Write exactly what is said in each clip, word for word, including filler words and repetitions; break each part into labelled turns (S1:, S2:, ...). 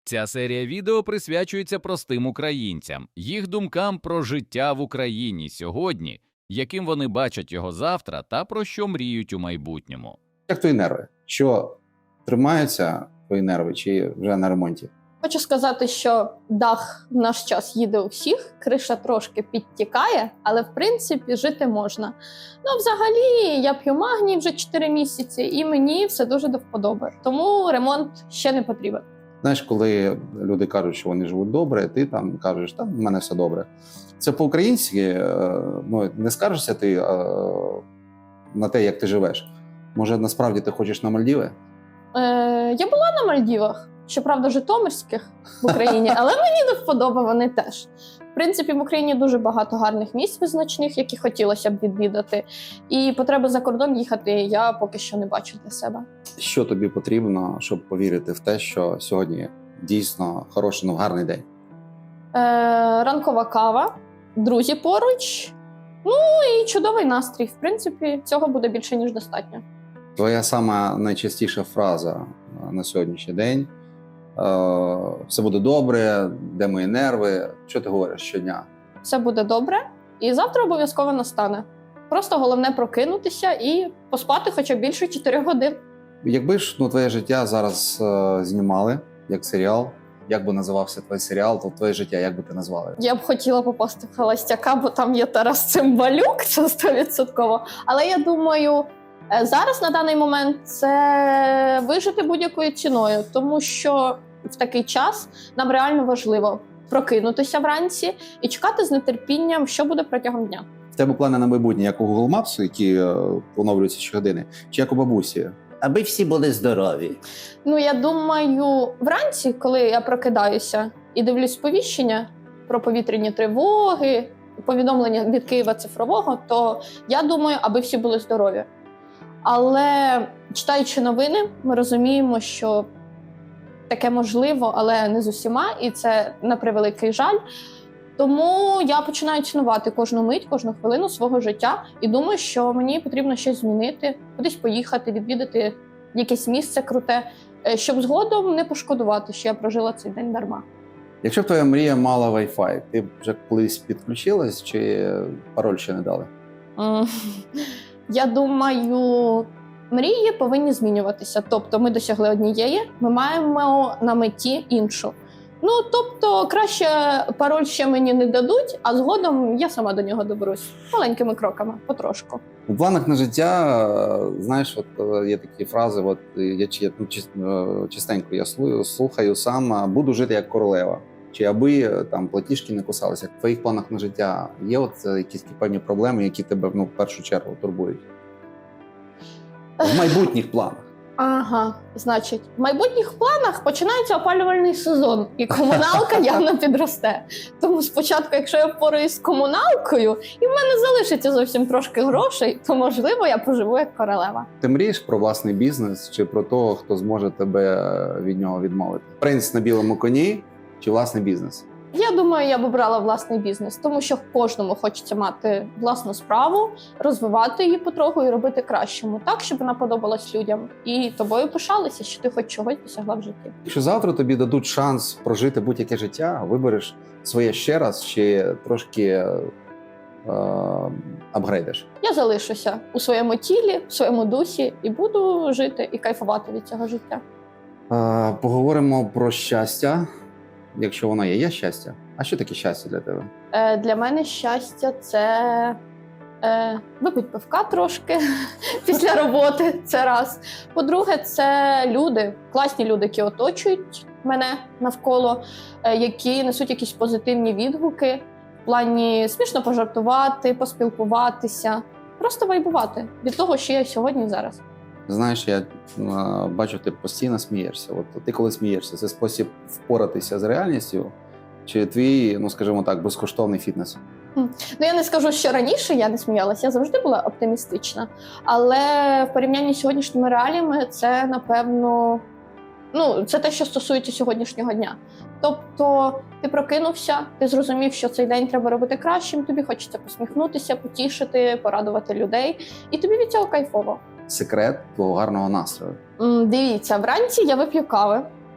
S1: Ця серія відео присвячується простим українцям, їх думкам про життя в Україні сьогодні, яким вони бачать його завтра та про що мріють у майбутньому.
S2: Як твої нерви? Що тримаються твої нерви чи вже на ремонті?
S3: Хочу сказати, що дах в наш час їде у всіх, криша трошки підтікає, але в принципі жити можна. Ну, взагалі, я п'ю магній вже чотири місяці, і мені все дуже до вподоби. Тому ремонт ще не потрібен.
S2: Знаєш, коли люди кажуть, що вони живуть добре, ти там кажеш, там в мене все добре. Це по-українськи, е, ну, не скаржишся ти е, на те, як ти живеш. Може, насправді ти хочеш на Мальдіви?
S3: Е, я була на Мальдівах, щоправда, житомирських в Україні, але мені до вподоби вони теж. В принципі, в Україні дуже багато гарних місць визначних, які хотілося б відвідати. І потреби за кордон їхати я поки що не бачу для себе.
S2: Що тобі потрібно, щоб повірити в те, що сьогодні дійсно хороший, ну, гарний день?
S3: Е, ранкова кава, друзі поруч, ну і чудовий настрій. В принципі, цього буде більше, ніж достатньо.
S2: Твоя сама найчастіша фраза на сьогоднішній день е, все буде добре, де мої нерви? Що ти говориш щодня?
S3: Все буде добре, і завтра обов'язково настане. Просто головне прокинутися і поспати хоча б більше чотирьох годин.
S2: Якби ж ну, твоє життя зараз е, знімали як серіал, як би називався твій серіал, то твоє життя як би ти назвала?
S3: Я б хотіла попасти в «Холостяка», бо там є Тарас Цимбалюк, це сто відсотків. Але я думаю, е, зараз на даний момент це вижити будь-якою ціною, тому що в такий час нам реально важливо прокинутися вранці і чекати з нетерпінням, що буде протягом дня.
S2: В тебе плани на майбутнє, як у Google Maps, які е, оновлюються щогодини, чи як у бабусі?
S4: Аби всі були здорові.
S3: Ну, я думаю, вранці, коли я прокидаюся і дивлюсь сповіщення про повітряні тривоги, повідомлення від Києва цифрового, то я думаю, аби всі були здорові. Але читаючи новини, ми розуміємо, що таке можливо, але не з усіма, і це на превеликий жаль. Тому я починаю цінувати кожну мить, кожну хвилину свого життя і думаю, що мені потрібно щось змінити, кудись поїхати, відвідати якесь місце круте, щоб згодом не пошкодувати, що я прожила цей день дарма.
S2: Якщо б твоя мрія мала Wi-Fi, ти б вже колись підключилась чи пароль ще не дали?
S3: М, Я думаю, мрії повинні змінюватися. Тобто ми досягли однієї, ми маємо на меті іншу. Ну, тобто, краще пароль ще мені не дадуть, а згодом я сама до нього доберусь. Маленькими кроками, потрошку.
S2: У планах на життя, е, знаєш, от е, є такі фрази, от я чи- ну, чис- е, частенько я слу- слухаю сам, а, буду жити як королева. Чи аби е, там платіжки не кусалися. В твоїх планах на життя є от е, якісь такі певні проблеми, які тебе ну, в першу чергу турбують? В майбутніх планах.
S3: Ага, значить, в майбутніх планах починається опалювальний сезон, і комуналка явно підросте. Тому спочатку, якщо я впораюсь з комуналкою, і в мене залишиться зовсім трошки грошей, то, можливо, я поживу як королева.
S2: Ти мрієш про власний бізнес чи про того, хто зможе тебе від нього відмовити? Принц на білому коні чи власний бізнес?
S3: Я думаю, я б обрала власний бізнес, тому що кожному хочеться мати власну справу, розвивати її потроху і робити кращому, так, щоб вона подобалась людям. І тобою пишалися, що ти хоч чогось досягла в житті.
S2: Якщо завтра тобі дадуть шанс прожити будь-яке життя, вибереш своє ще раз чи трошки е, апгрейдиш?
S3: Я залишуся у своєму тілі, в своєму дусі і буду жити і кайфувати від цього життя.
S2: Е, поговоримо про щастя, якщо воно є. Є щастя? А що таке щастя для тебе?
S3: Е, для мене щастя – це е, випить пивка трошки після роботи, це раз. По-друге, це люди, класні люди, які оточують мене навколо, е, які несуть якісь позитивні відгуки в плані смішно пожартувати, поспілкуватися, просто вайбувати від того, що я сьогодні і зараз.
S2: Знаєш, я е, бачу, ти постійно смієшся. От ти коли смієшся, це спосіб впоратися з реальністю чи твій, ну скажімо так, безкоштовний фітнес?
S3: Ну, я не скажу, що раніше я не сміялася, я завжди була оптимістична. Але в порівнянні з сьогоднішніми реаліями це, напевно, ну, це те, що стосується сьогоднішнього дня. Тобто ти прокинувся, ти зрозумів, що цей день треба робити кращим, тобі хочеться посміхнутися, потішити, порадувати людей, і тобі від цього кайфово.
S2: Секрет твого гарного настрою.
S3: М, Дивіться, вранці я вип'ю кави.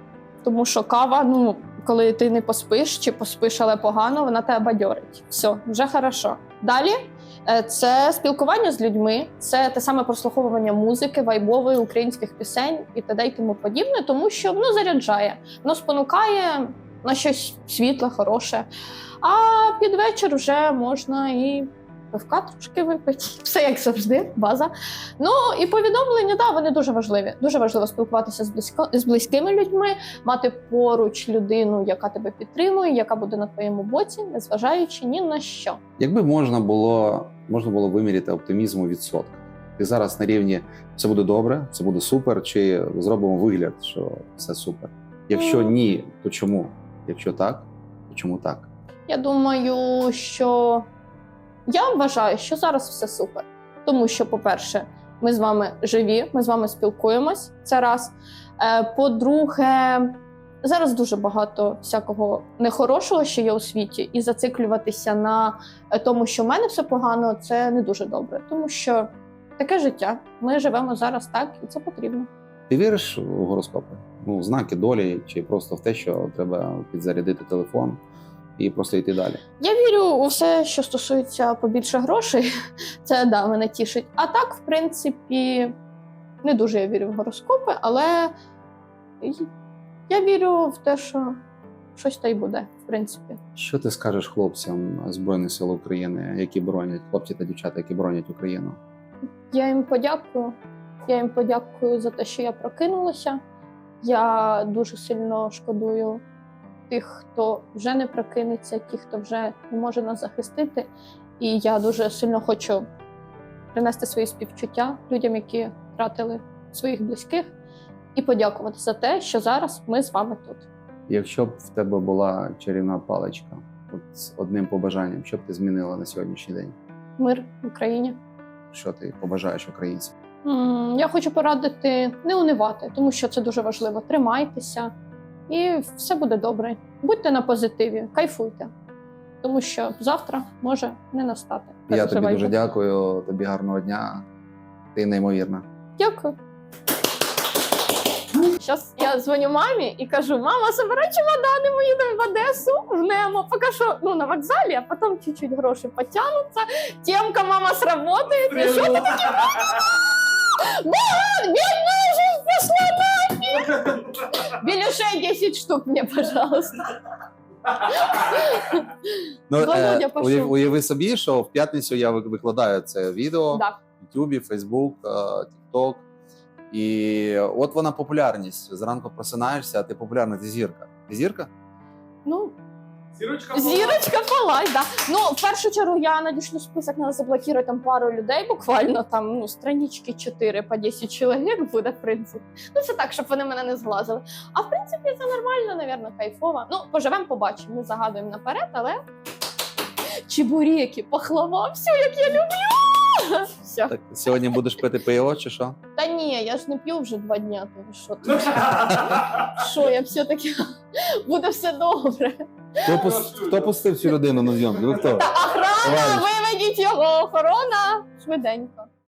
S3: Тому що кава, ну, коли ти не поспиш чи поспиш, але погано, вона тебе бадьорить. Все, вже хорошо. Далі е, це спілкування з людьми, це те саме прослуховування музики, вайбової, українських пісень і т.д. і тому подібне, тому що воно заряджає, воно спонукає на щось світле, хороше. А під вечір вже можна і пивка трошки випити. Все як завжди, база. Ну і повідомлення, да, вони дуже важливі. Дуже важливо спілкуватися з, близько, з близькими людьми, мати поруч людину, яка тебе підтримує, яка буде на твоєму боці, незважаючи ні на що.
S2: Якби можна було, можна було виміряти оптимізм у відсотках. Ти зараз на рівні «все буде добре, все буде супер», чи зробимо вигляд, що все супер? Якщо
S3: Ну.
S2: ні, то чому? Якщо так, то чому так?
S3: Я думаю, що я вважаю, що зараз все супер. Тому що, по-перше, ми з вами живі, ми з вами спілкуємось, це раз. Е, По-друге, зараз дуже багато всякого нехорошого, що є у світі, і зациклюватися на е, тому, що в мене все погано, це не дуже добре. Тому що таке життя. Ми живемо зараз так, і це потрібно.
S2: Ти віриш у гороскопи? Ну, знаки долі, чи просто в те, що треба підзарядити телефон і просто йти далі?
S3: Я вірю у все, що стосується побільше грошей. Це, да, мене тішить. А так, в принципі, не дуже я вірю в гороскопи, але я вірю в те, що щось та й буде, в принципі.
S2: Що ти скажеш хлопцям Збройних сил України, які боронять, хлопці та дівчата, які боронять Україну?
S3: Я їм подякую. Я їм подякую за те, що я прокинулася. Я дуже сильно шкодую тих, хто вже не прокинеться, тих, хто вже не може нас захистити. І я дуже сильно хочу принести свої співчуття людям, які втратили своїх близьких, і подякувати за те, що зараз ми з вами тут.
S2: Якщо б в тебе була чарівна паличка, от з одним побажанням, що б ти змінила на сьогоднішній день?
S3: Мир в Україні.
S2: Що ти побажаєш українцям?
S3: М, Я хочу порадити не унивати, тому що це дуже важливо. Тримайтеся, і все буде добре. Будьте на позитиві, кайфуйте, тому що завтра може не настати.
S2: Я тобі
S3: Переживайте.
S2: дуже дякую, тобі гарного дня. Ти неймовірна.
S3: Дякую. Зараз я дзвоню мамі і кажу: мама, забирай чемодани, ми їдемо в Одесу, в Немо. Поки що ну, на вокзалі, а потім чуть-чуть гроші потягнуться. Темка, мама, сработає. І що ти таке? Мама, бідна вже пішла нафіг. Білюшей десять штук мені, пожалуйста.
S2: Ну,
S3: Володя
S2: е,
S3: пішов.
S2: уяв- уяви собі, що в п'ятницю я вик- викладаю це відео
S3: Да.
S2: в Ютубі, Фейсбук, е, Тікток. І от вона популярність. Зранку просинаєшся, а ти популярна, ти зірка. Ти зірка?
S3: Ну,
S5: Зірочка.
S3: зірочка палай, да. Ну, в першу чергу я надішлю список, треба заблокувати там пару людей, буквально там, ну, странички чотири по десять чоловік буде, в принципі. Ну, це так, щоб вони мене не зглазили. А в принципі, це нормально, навірно, кайфово. Ну, поживемо, побачимо, не загадуємо наперед, але чебуреки, пахлава, все, як я люблю. Все.
S2: Так, сьогодні будеш пити пиво чи що?
S3: Та ні, я ж не п'ю вже два дня, тому що ти? Що, я все-таки буде все добре.
S2: Хто, пус- хто пустив цю людину на зйомку? Ви хто?
S3: Та охрана,
S2: Товариш.
S3: виведіть його, охорона, швиденько.